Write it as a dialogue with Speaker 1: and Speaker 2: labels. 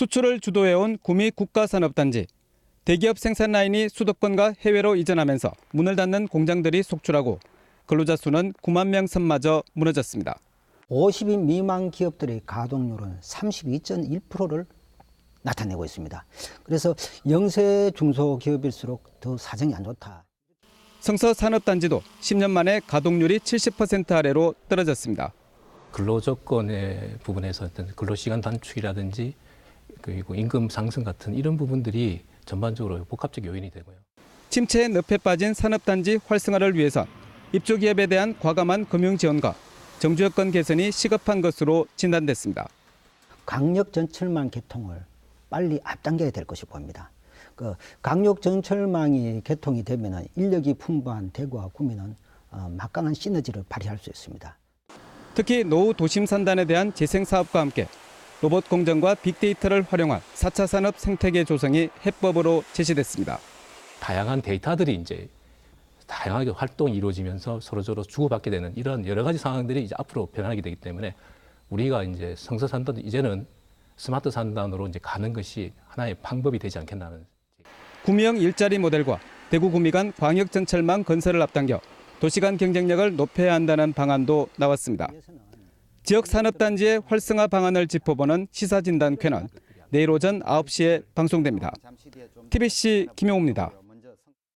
Speaker 1: 수출을 주도해온 구미 국가산업단지. 대기업 생산 라인이 수도권과 해외로 이전하면서 문을 닫는 공장들이 속출하고 근로자 수는 9만 명 선마저 무너졌습니다.
Speaker 2: 50인 미만 기업들의 가동률은 32.1%를 나타내고 있습니다. 그래서 영세 중소기업일수록 더 사정이 안 좋다.
Speaker 1: 성서산업단지도 10년 만에 가동률이 70% 아래로 떨어졌습니다.
Speaker 3: 근로조건의 부분에서 어떤 근로시간 단축이라든지 그리고 임금 상승 같은 이런 부분들이 전반적으로 복합적 요인이 되고요.
Speaker 1: 침체의 늪에 빠진 산업단지 활성화를 위해선 입주기업에 대한 과감한 금융 지원과 정주 여건 개선이 시급한 것으로 진단됐습니다.
Speaker 2: 강력 전철망 개통을 빨리 앞당겨야 될 것이 보입니다. 강력 전철망이 개통이 되면 인력이 풍부한 대구와 구미는 막강한 시너지를 발휘할 수 있습니다.
Speaker 1: 특히 노후 도심 산단에 대한 재생 사업과 함께 로봇 공정과 빅데이터를 활용한 4차 산업 생태계 조성이 해법으로 제시됐습니다.
Speaker 3: 다양한 데이터들이 이제 다양하게 활동이 이루어지면서 서로서로 주고받게 되는 이런 여러 가지 상황들이 이제 앞으로 변하게 되기 때문에 우리가 이제 성서산단 이제는 스마트 산단으로 이제 가는 것이 하나의 방법이 되지 않겠나는.
Speaker 1: 구미형 일자리 모델과 대구 구미 간 광역 전철망 건설을 앞당겨 도시 간 경쟁력을 높여야 한다는 방안도 나왔습니다. 지역 산업단지의 활성화 방안을 짚어보는 시사진단 쾌는 내일 오전 9시에 방송됩니다. TBC 김용우입니다.